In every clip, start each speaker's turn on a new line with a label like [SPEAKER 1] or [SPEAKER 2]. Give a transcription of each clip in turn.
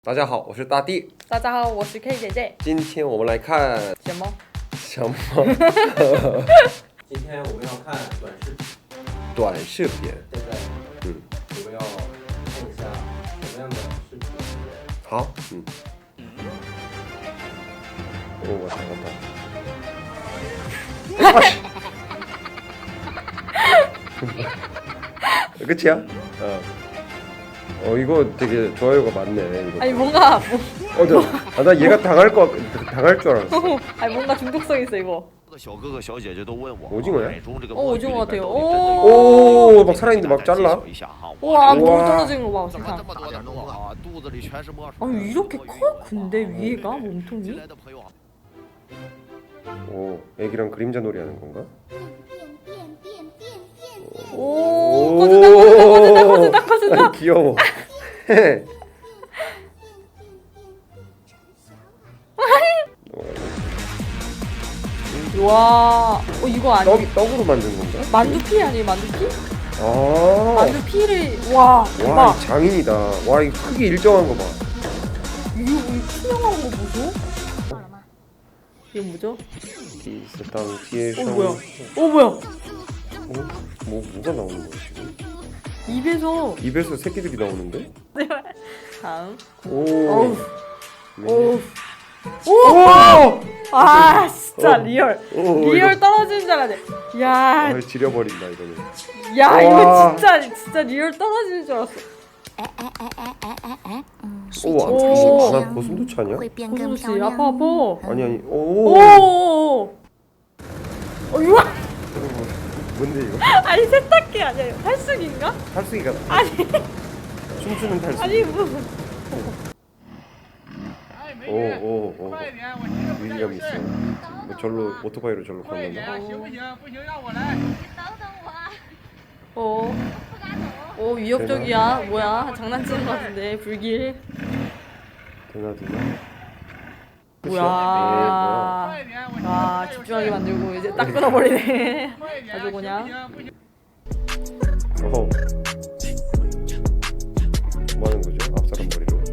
[SPEAKER 1] 大家好，我是大地。
[SPEAKER 2] 大家好，我是 K 姐姐。
[SPEAKER 1] 今天我们来看
[SPEAKER 2] 什么？
[SPEAKER 1] 什么？
[SPEAKER 3] 今天我们要看短视频。
[SPEAKER 1] 短视频。
[SPEAKER 3] 现在，我们要看一下什么样的视频。
[SPEAKER 1] 好，我잘한다. 끝이야? 이거 되게 좋아요가 많네. 이거.
[SPEAKER 2] 아니 뭔가
[SPEAKER 1] 나 얘가 당할 줄 알았어.
[SPEAKER 2] 아니 뭔가 중독성 있어 이거.
[SPEAKER 1] 오징어야?
[SPEAKER 2] 오징어 같아요.
[SPEAKER 1] 오, 막 살아있는데 막 잘라.
[SPEAKER 2] 와, 너무 떨어지는 거 봐, 세상. 아니 이렇게 커? 근데 위에가 몸통이?
[SPEAKER 1] 오, 애기랑 그림자 놀이 하는 건가?
[SPEAKER 2] 오, 커진다.
[SPEAKER 1] 귀여워.
[SPEAKER 2] 와, 이거 아니야?
[SPEAKER 1] 떡으로 만든 건가?
[SPEAKER 2] 만두피 아니에요, 만두피?
[SPEAKER 1] 아,
[SPEAKER 2] 만두피를 와, 대박.
[SPEAKER 1] 와, 이 장인이다. 와, 이 크기 일정한 거 봐.
[SPEAKER 2] 이거 투명한 거 보소? 이게 뭐죠? 뭐야? 뭐야?
[SPEAKER 1] 뭐가 나오는 거야 지금?
[SPEAKER 2] 입에서
[SPEAKER 1] 새끼들이 나오는데?
[SPEAKER 2] 다음.
[SPEAKER 1] 오.
[SPEAKER 2] 아 진짜 리얼 떨어지는 줄 알았네. 야,
[SPEAKER 1] 지려버린다 이거는.
[SPEAKER 2] 야 이거 진짜 리얼 떨어지는 줄 알았어.
[SPEAKER 1] 나 고슴도치 아니야?
[SPEAKER 2] 고슴도치 아파.
[SPEAKER 1] 아니.
[SPEAKER 2] 이거
[SPEAKER 1] 뭔데 이거?
[SPEAKER 2] 아니 세탁기 아니야? 이거 탈수기인가?
[SPEAKER 1] 탈수기가.
[SPEAKER 2] 아니
[SPEAKER 1] 춤추는 탈수기.
[SPEAKER 2] 아니 뭐.
[SPEAKER 1] 오. 위기감 있어. 절로 오토바이로 절로 건넌다.
[SPEAKER 2] 위협적이야. 뭐야? 장난치는 것 같은데 불길.
[SPEAKER 1] 되나?
[SPEAKER 2] 뭐야? 와 집중하게 만들고 이제 딱 끊어버리네. 아주 그냥.
[SPEAKER 1] 뭐 하는 거죠? 앞사람 머리로.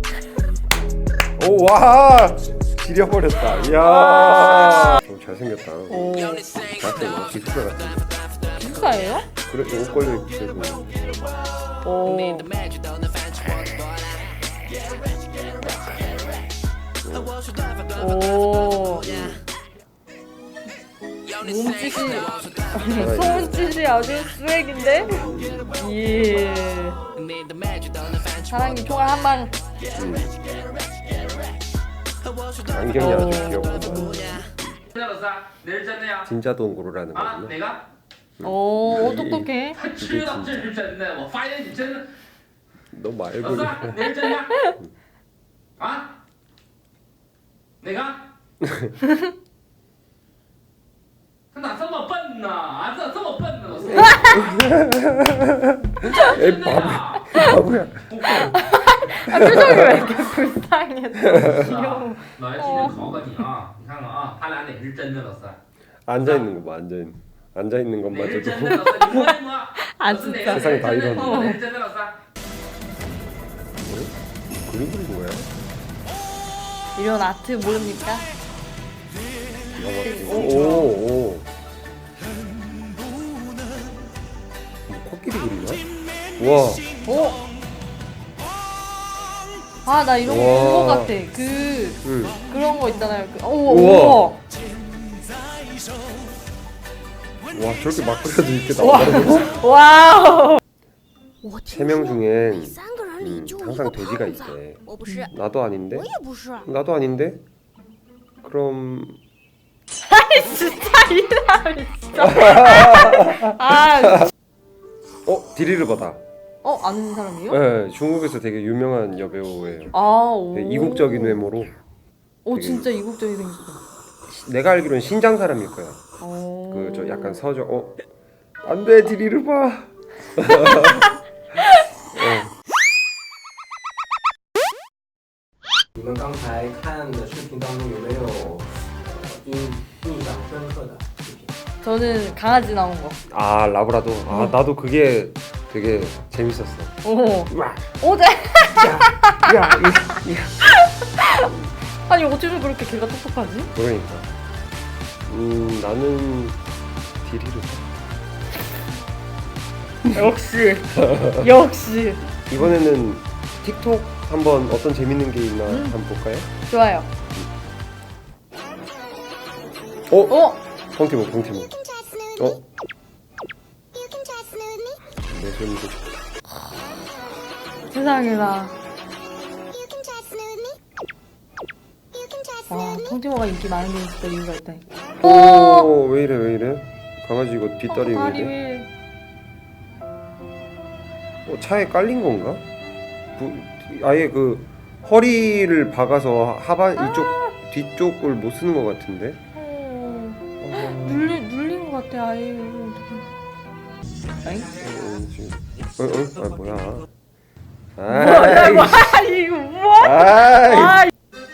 [SPEAKER 1] 오, 와! 지려버렸다. 이야. 잘생겼다. 잘생겼다. 기숙사 같은데.
[SPEAKER 2] 기숙사예요?
[SPEAKER 1] 그래, 옷 걸려 있고.
[SPEAKER 2] 몸짓이 아주 스웩인데? 예. 사랑니 총알 한 방.
[SPEAKER 1] 안경이 아주 귀엽고. 진짜 동굴이라는 거구나.
[SPEAKER 2] 똑똑해.
[SPEAKER 1] 너 말고.
[SPEAKER 4] 他咋这么笨呢？咋这么笨呢？
[SPEAKER 1] 에이, 바보야.
[SPEAKER 2] 표정이 왜 이렇게 불쌍해? 귀여워.
[SPEAKER 4] 老爷今天考考你啊，你看看啊，他俩哪个是真的，老三？
[SPEAKER 1] 앉아 있는 거 봐. 앉아 있는
[SPEAKER 4] 哪个是
[SPEAKER 1] 것마저도.
[SPEAKER 4] 真的，老三？你摸一摸。
[SPEAKER 2] 아
[SPEAKER 4] 老四哪
[SPEAKER 2] 진짜.
[SPEAKER 4] 个
[SPEAKER 1] 세상이 다
[SPEAKER 4] 是真的？
[SPEAKER 1] 이러네.
[SPEAKER 4] 哪个是真的，老三？
[SPEAKER 1] 그림 그린 거야?
[SPEAKER 2] 이런 아트 모릅니까?
[SPEAKER 1] 오. 코끼리 그리나? 와.
[SPEAKER 2] 아 나 이런 거
[SPEAKER 1] 와.
[SPEAKER 2] 본 거 같아.
[SPEAKER 1] 응.
[SPEAKER 2] 그런 거 있잖아요.
[SPEAKER 1] 우와. 와, 저렇게 막 그려도 이렇게 나오더라고.
[SPEAKER 2] 와우.
[SPEAKER 1] 3명 중엔 항상 돼지가 있대. 나도 아닌데? 나도 아닌데? 그럼
[SPEAKER 2] 아니 진짜 이 사람이 진짜. 아.
[SPEAKER 1] 디리르바다.
[SPEAKER 2] 아는 사람이요?
[SPEAKER 1] 네, 중국에서 되게 유명한 여배우예요. 되게 이국적인 외모로.
[SPEAKER 2] 진짜 이국적이 생겼어.
[SPEAKER 1] 내가 알기로는 신장 사람일 거야. 저 약간 서적. 안돼 디리르바.
[SPEAKER 3] 你们刚才看的视频当中有没有印象深刻的视频？
[SPEAKER 2] 저는 강아지 나온 거.
[SPEAKER 1] 아, 라브라도. 나도 그게 되게 재밌었어.
[SPEAKER 2] 오.
[SPEAKER 1] 와.
[SPEAKER 2] 네.
[SPEAKER 1] 야,
[SPEAKER 2] 아니 어째서 그렇게 걔가 똑똑하지?
[SPEAKER 1] 그러니까. 나는 디리를.
[SPEAKER 2] 역시 역시
[SPEAKER 1] 이번에는 틱톡 한번 어떤 재밌는 게 있나 한번 볼까요?
[SPEAKER 2] 좋아요.
[SPEAKER 1] 어? 펑티모. 어? 내 손도 좋다.
[SPEAKER 2] 세상에나. 와, 펑티모가 인기 많은 게 진짜 이유가 있다니까.
[SPEAKER 1] 오, 왜 이래? 강아지 이거 뒷다리 왜
[SPEAKER 2] 다리
[SPEAKER 1] 이래?
[SPEAKER 2] 왜?
[SPEAKER 1] 차에 깔린 건가? 아예 그 허리를 박아서 하반 이쪽 뒤쪽을 못 쓰는 것 같은데?
[SPEAKER 2] 눌린 것 같아 아예. 어떡해.
[SPEAKER 1] 지금 뭐야?
[SPEAKER 2] 아이 이거 뭐야?
[SPEAKER 1] 아이
[SPEAKER 2] 아,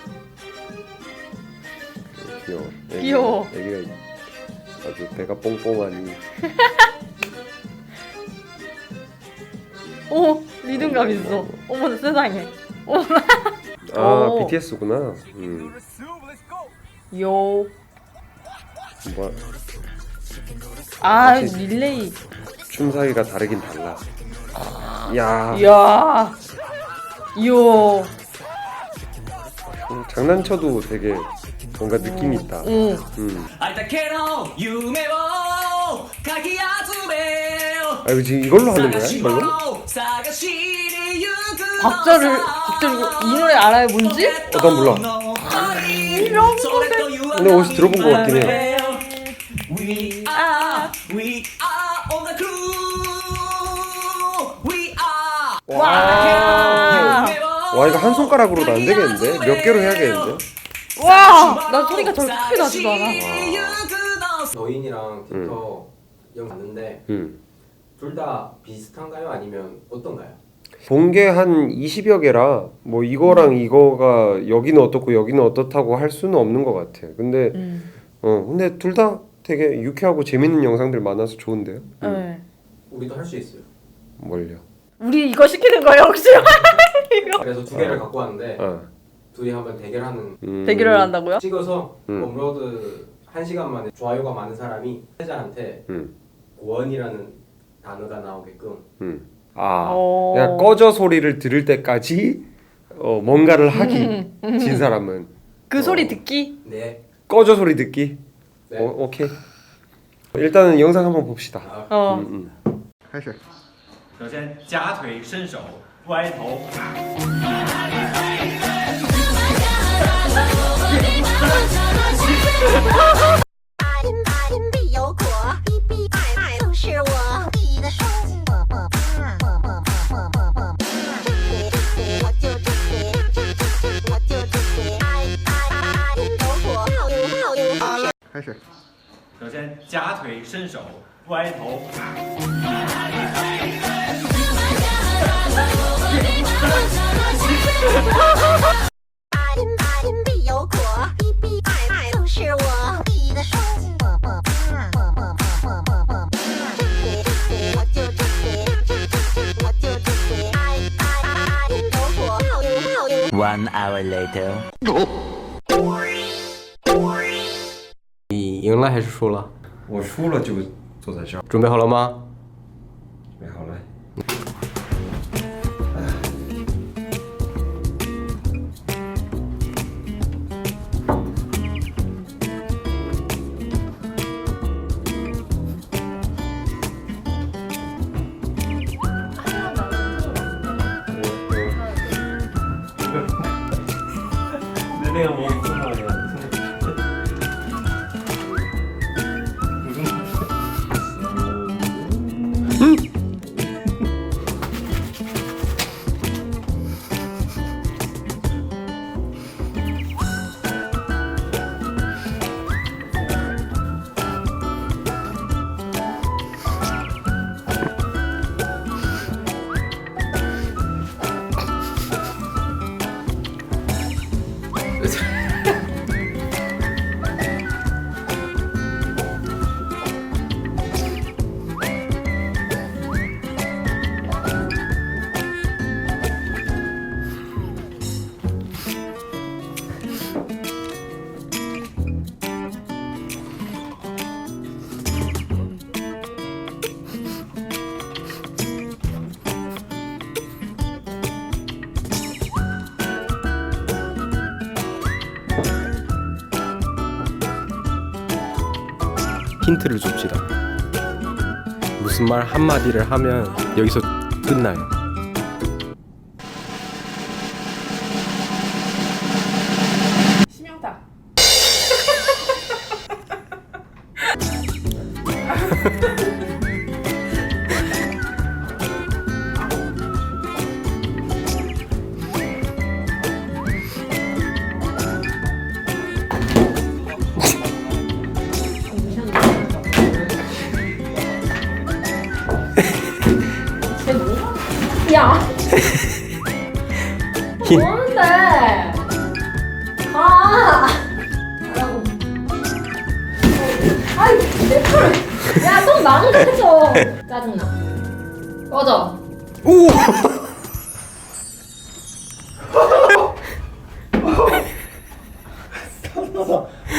[SPEAKER 2] 귀여워.
[SPEAKER 1] 애기가 아주 배가 뽕뽕하니.
[SPEAKER 2] 오 리듬감 있어. 어머나 세상에.
[SPEAKER 1] 아
[SPEAKER 2] 오.
[SPEAKER 1] BTS구나.
[SPEAKER 2] 요.
[SPEAKER 1] 뭐
[SPEAKER 2] 아
[SPEAKER 1] 확실히.
[SPEAKER 2] 릴레이.
[SPEAKER 1] 춤 사이가 다르긴 달라. 야,
[SPEAKER 2] 이야. 요.
[SPEAKER 1] 장난쳐도 되게 뭔가 느낌 있다.
[SPEAKER 2] 응.
[SPEAKER 5] ありだけの夢をかき集めよ
[SPEAKER 1] 아 이거 지금 이걸로 하는 거야?
[SPEAKER 5] 探し
[SPEAKER 1] 이걸로?
[SPEAKER 5] 物探しに行く
[SPEAKER 2] 박자를 이 노래 알아요 뭔지?
[SPEAKER 1] 난 몰라.
[SPEAKER 2] 이런
[SPEAKER 1] 근데 어디서 들어본 것 같긴 해요.
[SPEAKER 5] We are on the crew We are
[SPEAKER 2] 와.
[SPEAKER 1] 와 이거 한 손가락으로도 안 되겠는데? 몇 개로 해야겠는데?
[SPEAKER 2] 와. 나 소리가 저렇게 크게 나지도 않아.
[SPEAKER 3] 너인이랑 틱톡 영 봤는데 둘 다 비슷한가요? 아니면 어떤가요?
[SPEAKER 1] 본 게 한 20여 개라 뭐 이거랑 이거가 여기는 어떻고 여기는 어떻다고 할 수는 없는 것 같아. 근데 근데 둘 다 되게 유쾌하고 재밌는 영상들 많아서 좋은데요?
[SPEAKER 2] 네.
[SPEAKER 3] 우리도 할 수 있어요.
[SPEAKER 1] 뭘요?
[SPEAKER 2] 우리 이거 시키는 거예요 혹시?
[SPEAKER 3] 그래서 두 개를 갖고 왔는데
[SPEAKER 1] 아,
[SPEAKER 3] 둘이 한번 대결하는
[SPEAKER 2] 대결을 한다고요?
[SPEAKER 3] 찍어서 업로드 1시간 만에 좋아요가 많은 사람이 회자한테 고원이라는 단어가 나오게끔
[SPEAKER 1] 아,
[SPEAKER 2] 오.
[SPEAKER 1] 그냥 꺼져 소리를 들을 때까지 뭔가를 하기. 진 사람은
[SPEAKER 2] 그 소리 듣기?
[SPEAKER 3] 네.
[SPEAKER 1] 꺼져 소리 듣기.
[SPEAKER 3] 네.
[SPEAKER 1] 오케이. 일단은 영상 한번 봅시다.
[SPEAKER 2] 어.
[SPEAKER 1] 开始。
[SPEAKER 6] 首先，夹腿伸手，歪头。
[SPEAKER 7] 必有果，必必爱爱都是我你的双子。我就这些，我就这些，爱有果，好有。
[SPEAKER 1] 开始。
[SPEAKER 6] 首先，夹腿伸手，歪头。
[SPEAKER 7] 必有果，必必爱都是我你的双子。我就这些，我就这些，爱有果，好有。
[SPEAKER 5] One hour later
[SPEAKER 3] 你赢了还是输了？
[SPEAKER 1] 我输了就坐在这儿。
[SPEAKER 3] 准备好了吗？
[SPEAKER 1] 准备好了。
[SPEAKER 6] 那个我不知道的。
[SPEAKER 1] 아
[SPEAKER 8] 힌트를 줍시다. 무슨 말 한마디를 하면 여기서 끝나요.
[SPEAKER 2] 심영탁. 야. 뭔데? 아. 하라고. 아이 내 털. 야, 좀 망가져. 짜증나. 꺼져.
[SPEAKER 1] 오!